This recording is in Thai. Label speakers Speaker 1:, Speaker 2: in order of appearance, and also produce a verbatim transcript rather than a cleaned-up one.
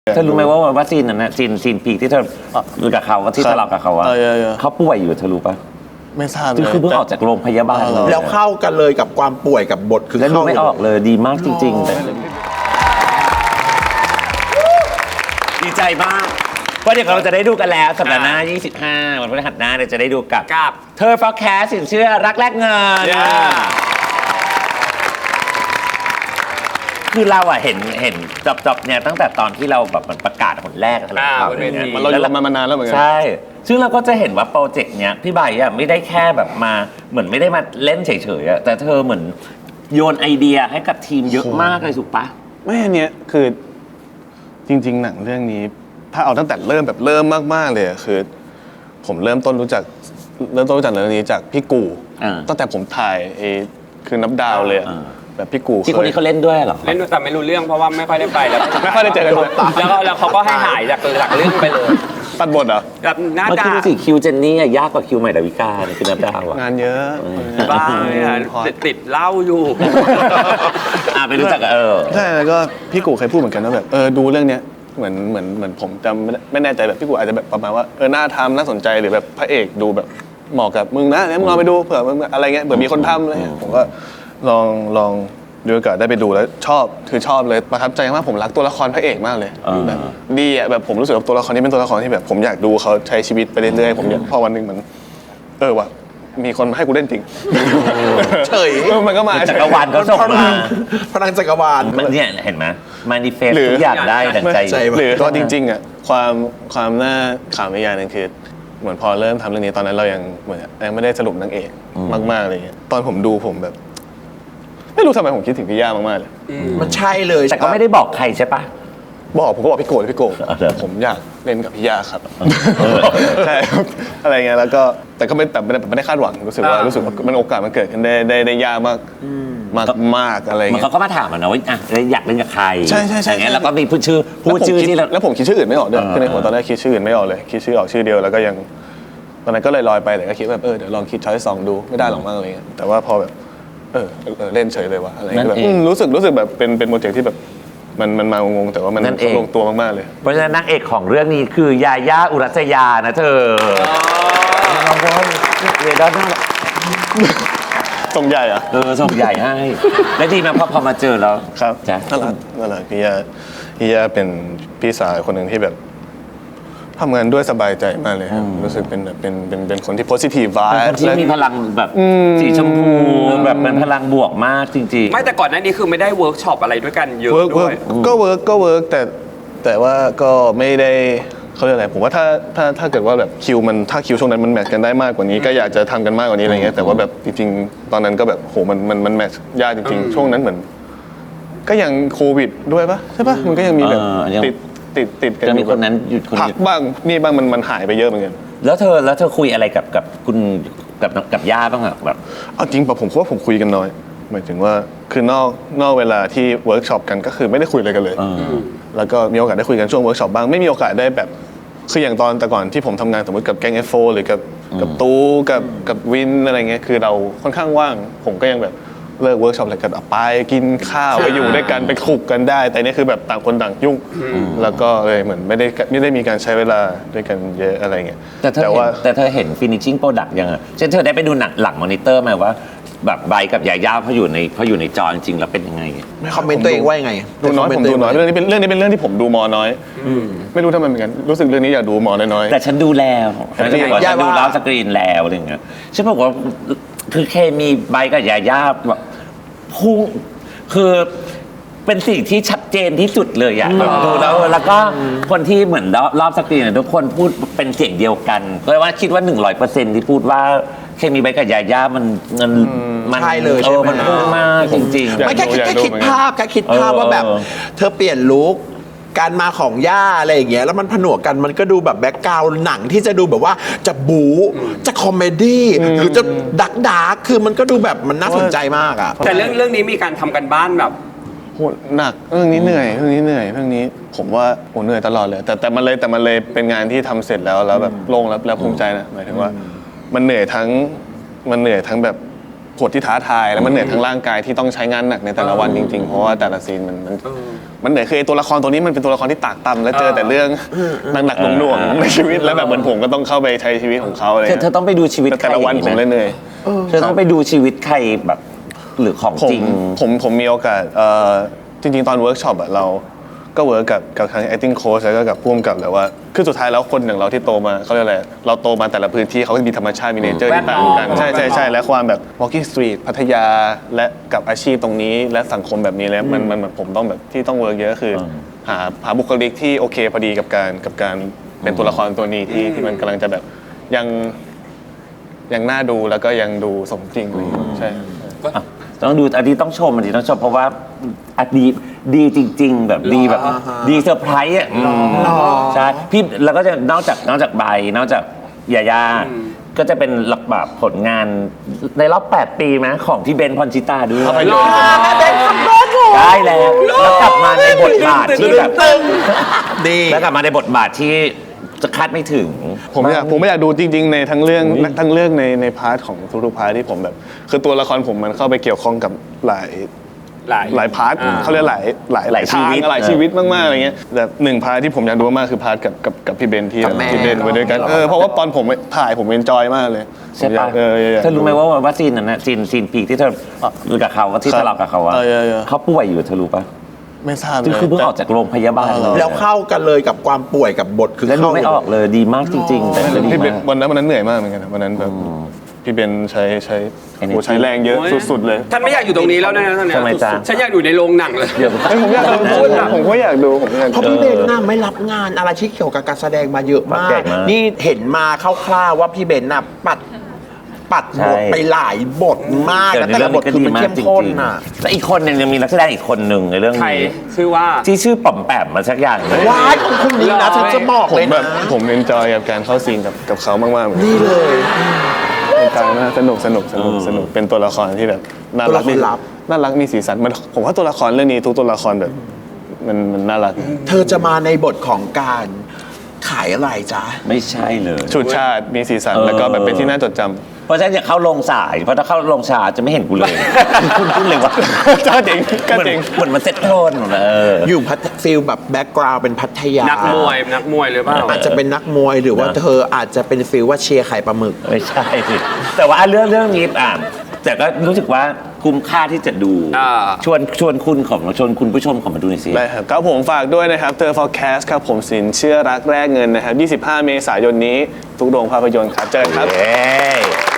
Speaker 1: เธอรู้ไหมว่าว่าซีนนั้นนะซีนซีนพีคที่เธออยู่กับเขาที่ทะเลาะกับเขาอะเขาป่วยอยู่เธอรู้ปะ
Speaker 2: ไม่ทราบเลย
Speaker 1: คือเพิ่งออกจากโรงพยาบาล
Speaker 3: แล้วเข้ากันเลยกับความป่วยกับบทคือ
Speaker 1: เข้าไม่ออกเลยดีมากจริงๆแต่ดีใจมากเพราะเดี๋ยวเราจะได้ดูกันแล้วสัปดาห์หน้ายี่สิบห้าวันพฤหัสหน้าเราจะได้ดูกับเธอ forecast สินเชื่อรักแลกเงินคือเราอะเห็นเห็นจบๆเนี่ยตั้งแต่ตอนที่เราแบบมันประกาศผลแรกอะไรข่าวเลยเนี่ย
Speaker 2: มันเราอยู่มานานแล้วเหมือนกัน
Speaker 1: ใช่ซึ่งเราก็จะเห็นว่าโปรเจกต์เนี้ยพี่ใบอะไม่ได้แค่แบบมาเหมือนไม่ได้มาเล่นเฉยๆอะแต่เธอเหมือนโยนไอเดียให้กับทีมเยอะมากเลยถูกปะ
Speaker 2: ไม่อันเนี้ยคือจริงๆหนังเรื่องนี้ถ้าเอาตั้งแต่เริ่มแบบเริ่มมากๆเลยคือผมเริ่มต้นรู้จักเริ่มต้นรู้จักเรื่องนี้จากพี่กูตั้งแต่ผมถ่ายไอ้คือนับดาวเลยแบบพี่กู
Speaker 1: ที่คนนี้เขาเล่นด้วยเหรอ
Speaker 4: เล่นแต่ไม่รู้เรื่องเพราะว่าไม่ค่อยได้ไปแล้ว
Speaker 2: ไม่ค่อยได้เจอกัน
Speaker 4: แล้วก็แล้วเขาก็ให้หายจากจากเรื่องไปเลย
Speaker 2: ตัดบทเหรอ
Speaker 4: แบบหน้า
Speaker 1: ตาคือสิคิวเจนนี่ยากกว่าคิวใหม่ดาวิกาเนี่ยคือนับดาวอะ
Speaker 2: งานเยอะ
Speaker 4: บ้าติดเหล้าอยู่
Speaker 1: อ่าไปรู้จักเออ
Speaker 2: ใช่แล้วก็พี่กูเคยพูดเหมือนกันว่าแบบเออดูเรื่องเนี้ยเหมือนเหมือนเหมือนผมจำไม่แน่ใจแบบพี่กูอาจจะแบบประมาณว่าเออน่าทำน่าสนใจหรือแบบพระเอกดูแบบเหมาะกับมึงนะแล้วมึงลองไปดูเผื่อมึงอะไรเงี้ยเผื่อมีคนทำอะไรเงี้ยผมก็ลองลองดูโอกาสได้ไปดูแล้วชอบคือชอบเลยประทับใจมากผมรักตัวละครพระเอกมากเลยแบบดีอ่ะแบบผมรู้สึกว่าตัวละครนี้เป็นตัวละครที่แบบผมอยากดูเขาใช้ชีวิตไปเรื่อยๆผมอยากพอวันหนึ่งมันเออว่ะมีคนมาให้กูเล่นจริง
Speaker 3: เฉย
Speaker 2: มันก็มา
Speaker 1: จักรวาลก็ส่งมา
Speaker 3: พลังจักรวาล
Speaker 1: มันเนี่ยเห็นไหมมานิเฟสทุกอย่างได้ดังใจ
Speaker 2: หรือก็จริงๆอ่ะความความน่าขำอีกอย่างนึงคือเหมือนพอเริ่มทำเรื่องนี้ตอนนั้นเรายังเหมือนยังไม่ได้สรุปนางเอกมากๆอะไรเงี้ยตอนผมดูผมแบบไม่รู้ทำไมผมคิดถึงพี่ย่ามากๆเลย
Speaker 3: มันใช่เลย
Speaker 1: แต่ก็ไม่ได้บอกใครใช่ปะ
Speaker 2: บอกผมก็บอกพี่โกพี่โกผมอยากเล่นกับพี่ย่าครับใช่อะไรเงี้ยแล้วก็แต่ก็ไม่แต่ไม่ได้คาดหวังรู้สึกว่ารู้สึกว่ามันโอกาสมันเกิดขึ้นได้ได้ได้ยากมากมากมากอะไรเงี้
Speaker 1: ยเขาก็มาถามนะว่าอ่ะอยากเล่นกับใคร
Speaker 2: ใช่ใช่ใช่
Speaker 1: แล้วก็มีพูดชื่อพูดชื่อที่
Speaker 2: แล้วผมคิดชื่ออื่นไม่ออกด้วยคือในหัวตอนแรกคิดชื่ออื่นไม่ออกเลยคิดชื่อออกชื่อเดียวแล้วก็ยังตอนนั้นก็เลยลอยไปแต่ก็คิดแบบเออเดี๋ยวลองคิดช้อยสองดูไม่ได้หรอกมากอะไรเงี้ยแต่ว่าพอแบบเออเล่นเฉยเลยว่ะอะไรแบบรู้สึกรู้สึกแบบเป็นเป็นโปรเจกต์ที่แบบมันมันมางงแต่ว่ามันลงตัวมากๆเลย
Speaker 1: เพราะฉะนั้นนางเอกของเรื่องนี้คือยาย่าอุรัสยานะเธอน้องบอลเรด้าน่า
Speaker 2: ส่งใหญ่อะ
Speaker 1: เออส่งใหญ่ให้และดีนะพอพอมาเจอแล้ว
Speaker 2: ครับจ้ะน่ารักน่ารักพี่ยาพี่ยาเป็นพี่สาวคนหนึ่งที่แบบทำงานด้วยสบายใจมากเลยครับรู้สึกเป็นแบบเป็นเป็นเป็นคนที่ positive vibe
Speaker 1: ที่มีพลังแบบสีชมพูแบบเป็นพลังบวกมากจริงๆ
Speaker 4: ไม่แต่ก่อนหน้านี้คือไม่ได้เวิร์กช็อปอะไรด้วยกันเยอะด้วย
Speaker 2: ก็เวิร์กก็เวิร์กแต่แต่ว่าก็ไม่ได้เขาเรียกอะไรผมว่าถ้าถ้าถ้าเกิดว่าแบบคิวมันถ้าคิวช่วงนั้นมันแมทช์กันได้มากกว่านี้ก็อยากจะทำกันมากกว่านี้อะไรเงี้ยแต่ว่าแบบจริงๆตอนนั้นก็แบบโหมันมันมันแมทช์ยากจริงๆช่วงนั้นเหมือนก็ยังโควิดด้วยปะใช่ปะมันก็ยังมีแบบติดติดติดกัน
Speaker 1: อยู่คนนั้นหยุดคน
Speaker 2: พักบ้างนี่บ้างมันมันหายไปเยอะเหมือนกัน
Speaker 1: แล้วเธอแล้วเธอคุยอะไรกับกับคุณกับกับย่าบ้างอะแบบ
Speaker 2: เอาจริงป่ะผมว่าผมคุยกันน้อยหมายถึงว่าคือนอกนอกเวลาที่เวิร์กช็อปกันก็คือไม่ได้คุยอะไรกันเลยแล้วก็มีโอกาสได้คุยกันช่วงเวิร์กช็อปบ้างไม่มีโอกาสได้แบบคืออย่างตอนแต่ก่อนที่ผมทำงานสมมติกับแก๊ง เอฟ โฟร์ หรือกับกับตู้กับกับวินอะไรเงี้ยคือเราค่อนข้างว่างผมก็ยังแบบเลิกเวิร์กช็อปอะไรกันไปกินข้าวไปอยู่ด้วยกันไปคลุกกันได้แต่นี่คือแบบต่างคนต่างยุ่งแล้วก็เลยเหมือนไม่ได้ไม่ได้มีการใช้เวลาด้วยกันเยอะอะไรเงี้ย
Speaker 1: แต่เธอเห็นแต่เธอเห็น finishing product ยังอ่ะเช่นเธอได้ไปดูหนังหลังมอนิเตอร์ไหมว่าแบบใบกับยาย่าเขาอยู่ในเขาอยู่ในจอจริงๆแล้วเป็นยังไง
Speaker 3: ไม่คอมเมนต์ตัวเองว่ายังไง
Speaker 2: ดูน้อยผมดูน้อยเรื่องนี้เป็นเรื่องนี้เป็นเรื่องที่ผมดูมอน้อยไม่รู้ทำไมเหมือนกันรู้สึกเรื่องนี้อยากดูมอน้อย
Speaker 1: แต่ฉันดูแล้วฉันดูแล้วสกรีนแล้วอะไรเงี้ยฉันบอกว่าคือเคมีใบกับยาย่าแบบพุ่งคือเป็นสิ่งที่ชัดเจนที่สุดเลยอะดูแล้วแล้วก็คนที่เหมือนรอบสกรีนทุกคนพูดเป็นเสียงเดียวกันเลยว่าคิดว่า หนึ่งร้อยเปอร์เซ็นต์ ที่พูดว่าเคมีใบกับยาย่ามันมัน
Speaker 3: มันใช่เลย
Speaker 1: ใช่ไหมมันพุ่งมากจริง
Speaker 3: ๆไม่แค่คิดแค่คิดภาพแค่คิดภาพว่าแบบเธอเปลี่ยนลุคการมาของย่าอะไรอย่างเงี้ยแล้วมันผนวกกันมันก็ดูแบบแบ็คกราวด์หนังที่จะดูแบบว่าจะบู๊จะคอมเมดี้หรือจะดักดาร์กคือมันก็ดูแบบมันน่าสนใจมากอ่ะ
Speaker 4: แต่เรื่องเรื่องนี้มีการทำกันบ้านแบบ
Speaker 2: โหหนักเรื่องนี้เหนื่อยเรื่องนี้เหนื่อยเรื่องนี้ผมว่าโหเหนื่อยตลอดเลยแต่แต่มันเลยแต่มันเลยเป็นงานที่ทำเสร็จแล้วแล้วแบบโล่งแล้วแล้วภูมิใจนะหมายถึงว่ามันเหนื่อยทั้งมันเหนื่อยทั้งแบบบทที่ท้าทายแล้วมันเหนื่อยทั้งร่างกายที่ต้องใช้งานหนักในแต่ละวันจริงๆเพราะว่าแต่ละซีนมันมันมันเหนื่อยคือไอ้ตัวละครตัวนี้มันเป็นตัวละครที่ตากตำและเจอแต่เรื่องหนักๆหน่วงๆในชีวิตแล้วแบบเหมือนผมก็ต้องเข้าไปใช้ชีวิตของเขาอะไร
Speaker 1: เธอเธอต้องไปดูชีวิต
Speaker 2: แต่
Speaker 1: ใคร
Speaker 2: แต่ละวันผมเลยเหนื่อย
Speaker 1: เธอต้องไปดูชีวิตใครแบบหรือของ
Speaker 2: ผม
Speaker 1: จริง
Speaker 2: ผมผมมีโอกาสเอ่อจริงๆ ตอนเวิร์กช็อปอะเราก็เวิร์กกับกับทาง acting coach แล้วก็กับผู้กำกับแต่ว่าคือสุดท้ายแล้วคนอย่างเราที่โตมาเขาเรียกอะไรเราโตมาแต่ละพื้นที่เขาก็มีธรรมชาติมีเนเจอร์ที่ต่างกันใช่ใช่ใช่และความแบบ walking street พัทยาและกับอาชีพตรงนี้และสังคมแบบนี้แล้วมันมันมันผมต้องแบบที่ต้องเวิร์กเยอะก็คือหาหาบุคลิกที่โอเคพอดีกับการกับการเป็นตัวละครตัวนี้ที่ที่มันกำลังจะแบบยังยังน่าดูแล้วก็ยังดูสมจริงอะไรอย่างเงี้ยใช่
Speaker 1: อ่ะต้องดูอันนี้ต้องชมอันนี้ต้องชมเพราะว่าอ่ะดีดีจริง ๆ แบบดีแบบดีเซอร์ไพรส์อ่ะอืมใช่พี่แล้วก็จะนอกจากนอกจากใบนอกจากยาย่าก็จะเป็นหลักแบบผลงานในรอบแปดปีไหมของพี่เบนซ์พรชิตาด้วย
Speaker 2: ภาพยนตร์
Speaker 1: ได้แล้วแล้วกลับมาในบทบาทที่แบบ
Speaker 3: ดี
Speaker 1: แล้วกลับมาในบทบาทที่จะคาดไม่ถึง
Speaker 2: ผมอยากผมไม่อยากดูจริง ๆ ในทั้งเรื่องทั้งเรื่องในในพาร์ทของทุกๆพาร์ทที่ผมแบบ คือตัวละครผมมันเข้าไปเกี่ยวข้องกับหลาย
Speaker 4: หลาย
Speaker 2: หลายพาร์ท
Speaker 4: อ่า
Speaker 2: เขาเรียกหลายหลาย
Speaker 1: หลายชีวิต
Speaker 2: ทงหลายชีวิตมากๆอะไรเงี้ยแต่หนึ่งพาร์ทที่ผมอยากดูมากคือพาร์ทกับกับกับพี่เบนที่
Speaker 3: กับแม่
Speaker 2: ที่เล่นไปด้วยกันเออเพราะว่าตอนผมถ่ายผมเอนจอยมากเลย
Speaker 1: ใช่ปะ
Speaker 2: ผมอยากเอออยาก
Speaker 1: เธอรู้ไหมว่าว่าซีนนั้นนะซีนซีนปีกที่เธอรู้กับเขาที่
Speaker 2: ครับ
Speaker 1: ทะเลาะกับเขาอะ
Speaker 2: เออเออเออ
Speaker 1: เขาป่วยอยู่เธอรู้ปะ
Speaker 2: ไม่ทราบเล
Speaker 1: คือย คือเพิ่งออกจากโรงพยาบาลเลย
Speaker 3: แล้วเข้ากันเลยกับความป่วยกับบทคือ
Speaker 1: แล้วดู
Speaker 3: เข้า
Speaker 1: ไม่ออกเลยดีมากจริง ๆ แต่ก็ดี
Speaker 2: พี่เบน
Speaker 1: มาก
Speaker 2: วันนั้นวันนั้นเหนื่อยมากเหมือนกันนะวันนั้นแบบพี่เบนใช้ใช้
Speaker 1: Energy
Speaker 2: โอ้ใช้แรงเยอะสุดๆเลย
Speaker 4: ท่านไม่อยากอยู่ตรงนี้แล้วนะท่านเนี่ย
Speaker 1: ทำไมจ๊ะ
Speaker 4: ฉันอยากอยู่ในโรงหนังเลย
Speaker 1: เดี๋ยว
Speaker 2: เฮ้ยผมอยากดูผมผมก็อยากดูผมก็อยาก
Speaker 3: เพราะ
Speaker 2: ดู
Speaker 3: พี่เบนน่ะไม่รับงานอะไรที่เกี่ยวกับการแสดงมาเยอะมา
Speaker 1: ใหญ่
Speaker 3: ก
Speaker 1: มาก
Speaker 3: นี่เห็นมาคร่าวๆว่าพี่เบนน่ะปัดปัด
Speaker 1: ใช่
Speaker 3: บทไปหลายบทมาก
Speaker 1: แต่
Speaker 3: แล้ว
Speaker 1: ใน
Speaker 3: แต่
Speaker 1: เรื่อ
Speaker 3: ละ
Speaker 1: ง
Speaker 3: บท
Speaker 1: นี้ก็
Speaker 3: คือ
Speaker 1: ดี
Speaker 3: มัน
Speaker 1: มาก
Speaker 3: เข้ม
Speaker 1: จ
Speaker 3: ข้น
Speaker 1: ริง
Speaker 3: น่ะ
Speaker 1: ๆแล้วอีกคนหนึงยังมีนักแสดงอีกคนหนึ่งในเรื่อง
Speaker 4: ใคร
Speaker 1: นี้
Speaker 4: ชื่อว่า
Speaker 1: ที่ชื่อป๋อมแปมมาสักอย่างหนึ่ง
Speaker 3: ว้ายของคุณนี้นะฉันจะบอก
Speaker 2: ผม
Speaker 3: เลย
Speaker 2: แบ
Speaker 3: นะ
Speaker 2: บผมเอนจอยกับการเข้าซีนกับกับเขามากๆเหมือนกัน
Speaker 3: นี่เลย
Speaker 2: เอนจอยมากสนุกสนุกสนุกสนุกเป็นตัวละครที่แบบน่ารัก
Speaker 3: ตัวละครลับ
Speaker 2: น่ารักมีสีสันมันผมว่าตัวละครเรื่องนี้ทุกตัวละครแบบมันมันน่ารัก
Speaker 3: เธอจะมาในบทของการขายอะไรจ๊ะ
Speaker 1: ไม่ใช่เลย
Speaker 2: ชุดชาติมีสีสัน
Speaker 1: เออ
Speaker 2: แล้วก็แบบเป็นที่น่าจดจำ
Speaker 1: เพราะฉะนั้นอย่าเข้าลงสายเพราะถ้าเข้าลงสายจะไม่เห็นกูเลยคุณพูดเลยว่า
Speaker 2: ก็จริงก็
Speaker 1: เหมือน
Speaker 2: จริง
Speaker 1: เหมือนมันเซ็ตโทนเออ
Speaker 3: อยู่พัทฟิลแบบแบ็กกราวด์เป็นพัทยา
Speaker 4: นักมวยนักมวยหรือเปล่า
Speaker 3: อาจจะเป็นนักมวยหรือว่า
Speaker 1: นะ
Speaker 3: เธออาจจะเป็นฟิลว่าเชียร์ไข่ปลาหมึก
Speaker 1: ไม่ใช่สิแต่ว่าเรื่องเรื่องนี้อ่ะแต่ก็รู้สึกว่าคุ้มค่าที่จะดู
Speaker 4: อ่า
Speaker 1: ชวนชวนคุณของชวนคุณผู้ชมของมาดูหน่อยสิ
Speaker 2: ได้ครับครับผมฝากด้วยนะครับเธอ forecast ครับผมสินเชื่อรักแรกเงินนะครับยี่สิบห้าเมษายนนี้ทุกโรงภาพยนตร์ครับเจอกันครับ
Speaker 1: เย้